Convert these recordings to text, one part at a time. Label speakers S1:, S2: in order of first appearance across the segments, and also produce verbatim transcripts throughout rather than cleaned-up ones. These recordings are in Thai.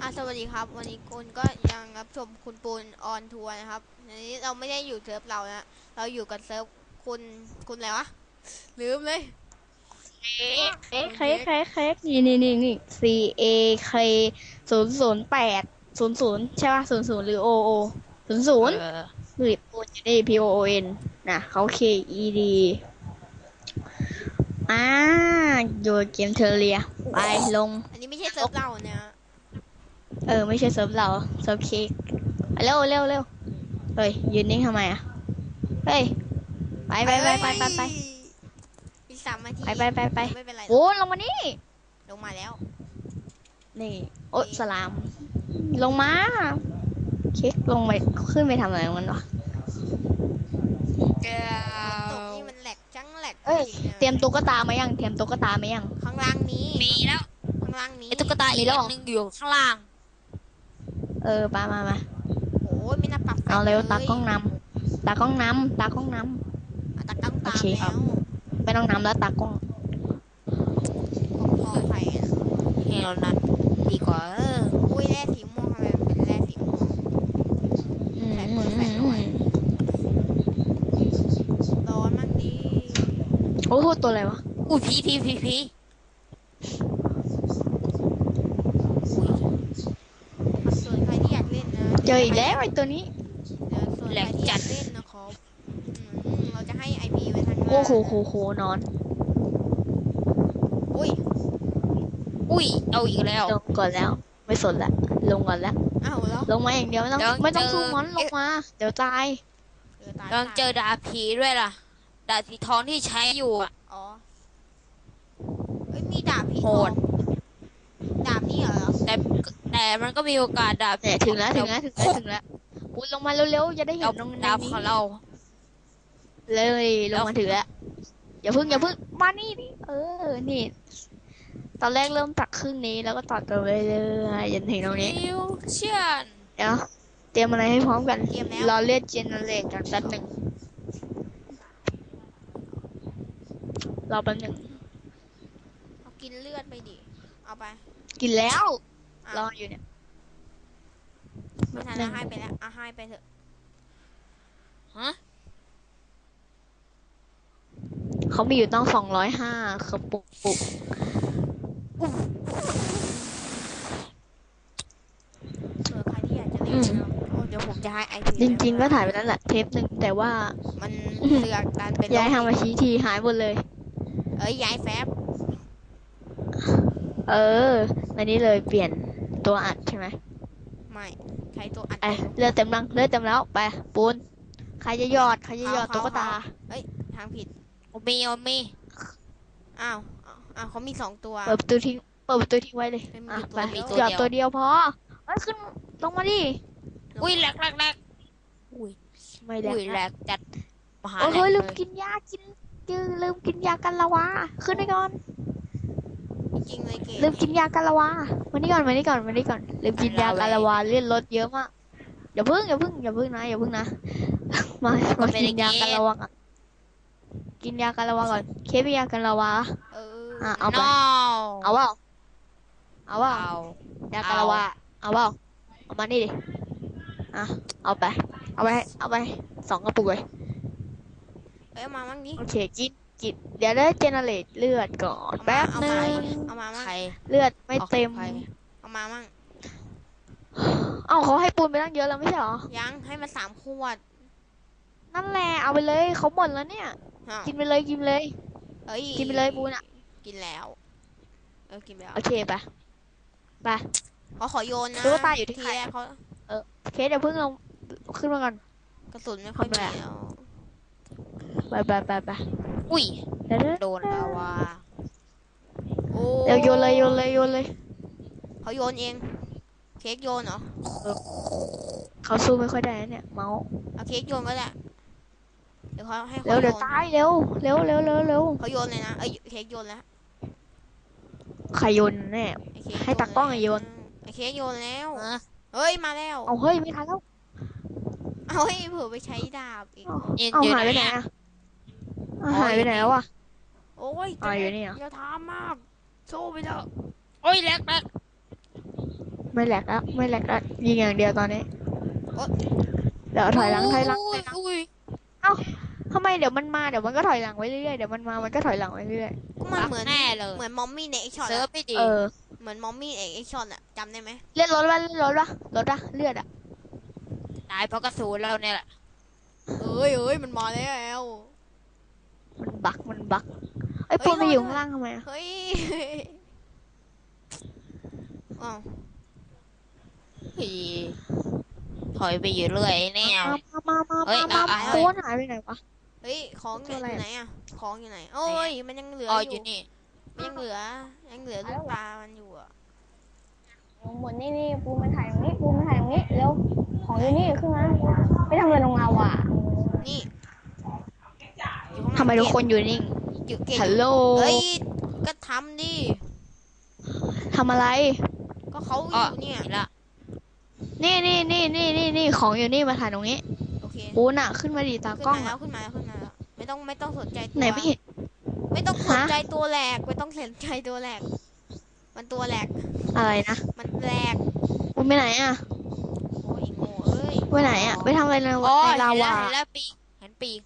S1: สวัสดีครับวันนี้คุณก็ยังรับชมคุณปูนออนทัวร์นะครับอันนี้เราไม่ได้อยู่เซิร์ฟเรานะเราอยู่กับเซิร์ฟคุณคุณอะไรวะลืมเลย
S2: เค้ก
S1: คุณเค้ก
S2: เค้กเค้กเค้กนี่นี่นี่นี่ C A K ศูนย์ศูนย์แปดศูนย์ศูนย์ใช่ป่ะศูนย์ศูนย์หรือ O O ศูนย์ศู
S1: เอ
S2: นย์
S1: อ
S2: หรือปูนอยู่นี่ P O O N นะเขา K E D อ่าอยู่เกมเทอร์เรียไปลง
S1: อันนี้ไม่ใช่เซิร์ฟเราเนี่ย
S2: เออไม่ใช่เซิร์ฟเราเซิร์ฟเค้กเร็วเร็วเร็วเฮ้ยยืนนิ่งทำไมอ่ะเฮ้ยไปไปไปไปไปไป
S1: อีกสามนาที
S2: ไปไปไปไป
S1: ไม่เป็นไรหร
S2: โอ้
S1: อก
S2: ลงมานี่
S1: ลงมาแล้ว
S2: นี่โอ๊ยสลามลงมาเค้กลงไปขึ้นไปทำอะไรมันวะ
S1: แกตกนี่มันแหลกจังแหลก
S2: เอ้ย
S1: จริงๆนะ
S2: เตรียมตุ๊กตามายังเตรียมตุ๊กตามายัง
S1: ข้างล่างนี้
S3: มีแล้ว
S1: ข้างล่างนี้
S3: ไอ้ตุ๊กตาอีกอันหนึงอยู่ข้างล่าง
S2: เออปามามา
S1: โอ้ยไม่น่าปรับแฟล
S2: เอาเร็ว
S1: ชเลย
S2: ตากล้องนำตากล้องนำตากล้องน
S1: อ่ะตากล้อง
S2: ำโอ
S1: ตาม
S2: เคค
S1: แล้ว
S2: รับไม่ต้องนำแล้วตากล้อง
S1: พอไฟอ่ะ
S3: เฮลนั้นดีกว่าเออ
S1: อุ้ยแร่สีม่วงทำไมมันเป็นแร่สีม่วง
S2: อืม
S1: แฟลช
S2: อื
S1: เปิดแฟลชหน่อย
S2: ม
S1: ร้อนมากดี
S2: โอ้โหตัวอะไรวะ
S3: อุ้ยพีพีพีพีอุ้ย
S1: ส่วนใครที่อยากเล่นนะ
S2: เจออีกแล้วไอ้ตัวนี้
S1: เดี๋ยวส่วนใครที่อยากเล่นนะครับอืมเราจะให้ ไอ พี ไว้ทางล่าง
S2: โอ้โหโหโหนอน
S1: อุ้ย
S3: อุ้ยเอาอีกแล้ว
S2: ลงก่อนแล้ว ไม่สนละลงก่อนแล้ว
S1: อ้าวแล้ว
S2: ลงมาอย่างเดียวไม่ต้อง
S3: เดี๋ยว
S2: ไม่ต้อง
S3: เจอ
S2: สู้มอนลงมาเดี๋ยวตาย
S1: เออตาย
S3: ลองเจอดาบผีด้วยล่ะดาบสีทองที่ใช้อยู่อ่ะ
S1: อ๋อเอ้ยมีดาบผีท
S3: โห
S1: อง
S3: ด
S1: ดาบนี่เหรอ
S3: แต่แต่มันก็มีโอกาสดาบ
S2: เนี่ยถึงแล้วถึงแล้วถึงแล้วถึงแล้วปุ้ยลงมาเร็วๆจะได้เห็
S3: ดาบ
S2: นตรงใน
S3: ดาบ
S2: นี้
S3: ของเรา
S2: เลยลงมาถึงแล้วอย่าพึ่งอย่าพึ่งมานี่นี่เออนี่ตอนแรกเริ่มตักครึ่งนี้แล้วก็ตัดไปเรื่อยๆจนถึงตรงนี้
S3: ฟิวเชียน
S2: เดี๋ยวเตรียมอะไรให้พร้อมกัน
S1: เกมแล้ว
S2: รอเลือดเจเนเรตกันแป๊บหนึ่งรอแป๊บหนึ่ง
S1: เอากินเลือดไปดิเอาไป
S2: กินแล้ว
S1: อ้าร
S2: ออยู่เนี่ย
S1: ไม่ทันแล้วให้ไปแล้วอ่ะให้ไปเถอะ
S3: ฮะ
S2: เขามีอยู่ต้องสองร้อยห้าเขาปุกปุก
S1: เผื่อใครที่อยากจะเล่นนะครับโอ้เดี๋ยวผมจะให้ ไอ พี
S2: จริง ๆ ก็ถ่ายไปแล้วแหละเทปหนึ่งแต่ว่า
S1: มันเสือกการเป็น
S2: ย้ายทำมาชี้ทีหายหมดเลย
S1: เอ้ยย้ายแฟบ
S2: เอออันนี้เลยเปลี่ยนตัวอัดใช่ไหม
S1: ไม่ใช้ตัวอัด
S2: ไอเลือดเต็มรังเลือดเต็มแล้วไปปูนใครจะหยอดใครจะหยอดตุ๊กตา
S1: เอ้ยทางผิด
S3: โอมีโอมี
S1: อ้าวอ้าวอ้าวเขามีสองตัว
S2: เปิดประตูทิ้งเปิดประตูทิ้งไว้เลย
S1: เป็น
S2: อ่ะ
S1: อยู่
S2: ไป
S1: ตัวเดียว
S2: หยอดตัวเดียวพอเอ้ยขึ้นลงมาดิ
S3: อุ้ยแหลกแหลกแหลกอุ้ย
S2: ไม่แหล
S3: อุ้ยแหล
S2: ก
S3: กจัดมหา
S2: โอ้
S3: แหล
S2: เฮ้
S3: ก
S2: ยลืม
S3: เลย
S2: กินยากินลืมลืมกินยากันละวาขึ้นไปก่อน
S1: จริงเลยเกม
S2: ลืมกินยากันละวามานี่ก่อนมานี่ก่อนมานี่ก่อนลืมกินยากันละวาเลือดลดเยอะมากอย่าพึ่งอย่าพึ่งอย่าพึ่งนะอย่าพึ่งนะ มามากินยากันละวาก่อนกินยากันละวาก่อนเคสยากันละวา
S1: เออ
S2: อ่ะเอาไป
S3: น้
S2: เอาเปล่าเอาเปล่า
S3: เอา
S2: ยากันละวาเอาเปล่าเอามานี่ดิอ่ะเอาไปเอาไปเอาไปสองกระปุกเลย
S1: เอ้ยเอามามั่งดิ
S2: โอเคกินกินเดี๋ยวได้เจเนเรตเลือดก่อน
S1: เอามา
S2: แป๊บ
S1: เอา
S2: นึ
S1: มาง เอามามั่ง
S3: ใคร
S2: เลือดไม่เต็ม
S3: อาใคร
S1: เอามามั่ง
S2: เอ้าเขาให้ปูนไปตั้งเยอะแล้วไม่ใช่หรอ
S1: ยังให้มาสามขวด
S2: นั่นแหละเอาไปเลยเขาหมดแล้วเนี่ย
S1: อ้าว
S2: กินไปเลยกินไปเลย
S1: เอ้ย
S2: กินไปเลยปูนอ่ะ
S1: กินแล้วเออกินไปแล้ว
S2: โอเคไปไป
S1: เขาขอโยนนะ
S2: ตุ๊กตาอยู่ที่ใคร
S1: แรกเขา
S2: เคสเดี๋ยวเพิ่งลงขึ้นมาก่อน
S1: กระสุนไม่ค่อย
S2: ทำไม
S1: มี
S2: อะ
S1: แล้ว
S2: ไปไปไปไป
S3: อุ้ย
S2: เดี๋ยวเดี๋ยว
S3: โดนแล้วว่า
S1: โอ้
S2: เดี๋ยวโยนเลยโยนเลยโยนเลย
S1: เขาโยนเองเค้กโยนเหรอ
S2: เขาสู้ไม่ค่อยได้นะเนี่ยเมาส์
S1: เอาเค้กโยนก็ได้เดี๋ยวเขาให้
S2: เร็
S1: เขา
S2: ว
S1: โย
S2: เดี๋ยวน ตายเร็วเร็วเร็วเร็วเร็ว
S1: เขาโยนเลยนะเอ้ยเค้กโยนแล้ว
S2: ใครโยนแน่
S1: ไอ้เค้ก
S2: ให้ตากล้องโยน
S1: ไอ้เค้กโยนแล้ว
S3: เออ
S1: เฮ้ยมาแล้ว
S2: เอาเฮ้ยไม่ทันแล้ว
S1: เอาให้เผื่อไปใช้ดาบอีก
S3: ยืน
S2: เอา
S3: อยู่
S2: หายไปไหน
S3: อะ
S2: อ่ะเอาหายไปไหนแล้วอ่ะ
S1: โอ้ย
S2: อ๋ออยู่นี่เหรอ
S1: อย่าทำมากสู้ไปเถอะ
S3: โอ้ยแหลกแหลก
S2: ไม่แหลกแล้วไม่แหลกแล้วยิงอย่างเดียวตอนนี้
S1: โอ๊ย
S2: เดี๋ยวถอยหลังถอยหลังถ
S3: อุ้
S2: อย ยหลัง
S3: อุ้ย
S2: เอ้าทำไมเดี๋ยวมันมาเดี๋ยวมันก็ถอยหลังไว้เรื่อยๆเดี๋ยวมันมามันก็ถอยหลังไว้เรื่อย
S1: ก็มัน
S3: บัก
S1: เหมือน
S3: แน่เลย
S1: เหมือนมอมมี่ในเอ็กช็อต
S3: เซิร์ฟ
S1: อะ
S3: ไม่
S2: ๆ
S3: ดี
S2: เออ
S1: เหมือนมอมมี่ในเอ็กช็อตอะจำได้ไหม
S2: เลื่อนรถวะเลื่อนรถวะรถวะเลือดอะ
S3: ตายเพราะกระสุนเราเนี่ยแหละ
S1: เอ้ยเอ้ยมันมาแล้ว
S2: มันบักมันบักไอ้ย
S1: เฮ้ย
S2: ปูนไป
S1: รอ
S2: อยู่
S1: ด้วย
S2: ข้างล่างทำไมอะ
S1: เฮ้ยอ้าว
S3: อีถอยไปอยู่เรื่อยแนว
S2: มามามา
S3: เฮ้
S2: มาย มา
S3: เอาเอา
S2: ปูนหายไปไหนวะ
S1: เฮ้ยของอ
S2: ตัวอะไร
S1: ยู่
S2: อะ
S1: ไหนอะของอยู่ไหนโอ้ยมันยังเหลือ
S3: อ๋อ
S1: อ
S3: อยู่ ยู่นี่
S1: มันยังเหลือยังเหลือลูกปลามันอยู่อะ
S4: หมดนี่นี่ปูมาถ่ายตรงนี้ปูมาถ่ายตรงนี้เร็วของอยู่นี่ขึ้นมาไปทำอะไรตรงเราอ่ะ
S1: นี่อยู่ข้างหลัง
S2: ทำไมทุกคนอยู่นิ่ง
S1: อยู่เกต
S2: ฮัลโหล
S1: เฮ้ยก็ทำดิ
S2: ทำอะไร
S1: ก็เขาอ
S3: อ๋อยู่
S1: เนี่ย
S3: เห็นละ
S2: นี่นี่นี่นี่นี่นี่ของอยู่นี่มาถ่ายตรงนี้
S1: โอเค
S2: ปูนอะขึ้นมาดีตา
S1: ขึ้น
S2: กล้อง
S1: มาแล้
S2: อะ
S1: วขึ้นมาแล้วขึ้นมาแล้วไม่ต้องไม่ต้องสนใจตัว
S2: ไหนไม่เห็น
S1: ไม่ต้องสน
S2: ฮะ
S1: ใจตัวแหลกไม่ต้องสนใจตัวแหลกมันตัวแหลก
S2: อะไรนะ
S1: มันแหลก
S2: ปูนไปไหนอะ
S1: โอ้ยโง่เอ้ย
S2: ไปไหนอะไปทำอะไรใน
S3: อ๋อ
S2: ใน
S3: เห็น
S2: ลา
S3: แล้ว
S2: วา
S3: เห็นแล้วปีกเห็นปีก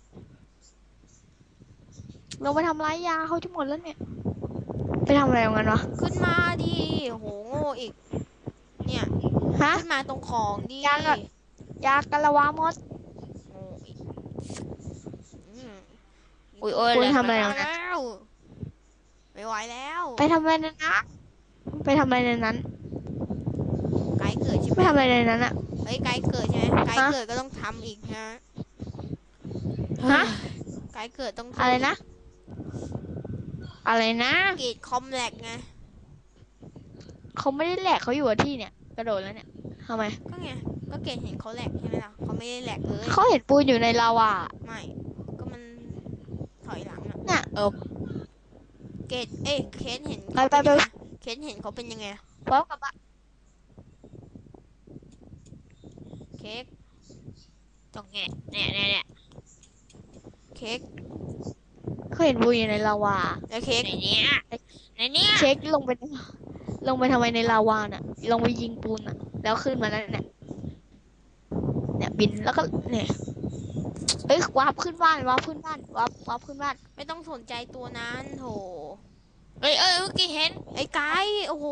S2: เราไปทำร้ายยาเขาจะหมดแล้วเนี่ย ไปทำอะไรของมันวะ
S1: ขึ้นมาดิโหโง่อีก เนี่ย
S2: ฮะ
S1: ขึ้นมาตรงของดิ
S2: ยังอะ ยากะละวามด
S1: โง่อีกอืม
S3: อุ้ยโอ้ย
S2: คุณ
S3: เลย
S2: ทำอะไร
S1: มาแล้วไม่ไหวแล้ว
S2: ไปทำอะไรในนั้นไปทำอะไรในนั้น
S1: ไกด์เกิดใช่ไห
S2: ไป
S1: ม
S2: ทำอะไรในนั้นอะ
S1: เฮ้ยไกด์เกิดใช่ไหมไกด์
S2: ฮะ
S1: เกิดก็ต้องทำอีกนะ
S2: ฮะ
S1: ไกด์เกิดต้องทำ
S2: อะไรนะ อะไรนะ
S1: เกรดคอมแลกไง
S2: เขาไม่ได้แหลกเขาอยู่กับที่เนี่ย กระโดดแล้วเนี่ยทำไม
S1: ก็ไงก็เกรดเห็นเขาแหลกใช่ไหมล่ะเขาไม่ได้แหลกเลย
S2: เขาเห็นปูนอยู่ในลาวา
S1: ไม่ก็มันถอยหลังอะ
S2: เนี่ย
S3: เออ
S1: เกรดเอ้ยเคนเห็น
S2: ไปไปไป
S1: เคนเห็นเขาเป็นยังไง
S2: พร้อมกับอะ
S1: เค้ก
S3: ตรงเนี้ยเนี่ยเนี่ยเนี่ย
S1: เค้ก
S2: เขาเห็นปูนอยู่ในลาวา
S1: แล้วเค้ก
S3: ในเนี้ยในเนี้ย
S2: เช็คลงไป ลงไปทำไมในลาวาน่ะ ลงไปยิงปูนน่ะ แล้วขึ้นมาแล้วเนี่ย เนี่ยบินแล้วก็เนี่ยเอ้ยวาร์ปขึ้นบ้านวาร์ปขึ้นบ้านวาร์ปวาร์ปขึ้นบ้าน
S1: ไม่ต้องสนใจตัวนั้นโถ
S3: เอ้ยเอ้ยเมื่อกี้เห็น
S1: ไอ้ไก่โอ้โห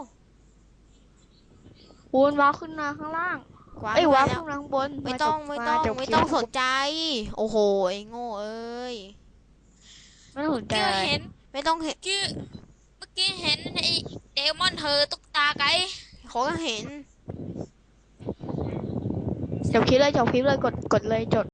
S2: ปูนวาร์ปขึ้นมาข้างล่าง
S1: กวาด
S2: เอ้ยวาร์ป
S1: แล้ว
S2: ขึ้นมาข้างบน
S1: ไม่ต้อง
S2: า
S1: ไม่
S2: จบ
S1: ต้อง
S2: าจบ
S1: ไม่
S2: คลิป
S1: ต้องสนใจ โอ้โหไอ้โง่เอ้ย
S2: ไม่ต้องสนใจ
S3: เมื่อ
S2: อะไร
S3: กี้เห็น
S1: ไม่ต้องเห็น
S3: เมื่อกี้เมื่อกี้เห็นไอ้เดมอนเธอตุ๊กตาไก่
S1: เขาก็เห็น
S2: จบคลิปเลยจบคลิปเลยกดกดเลยจด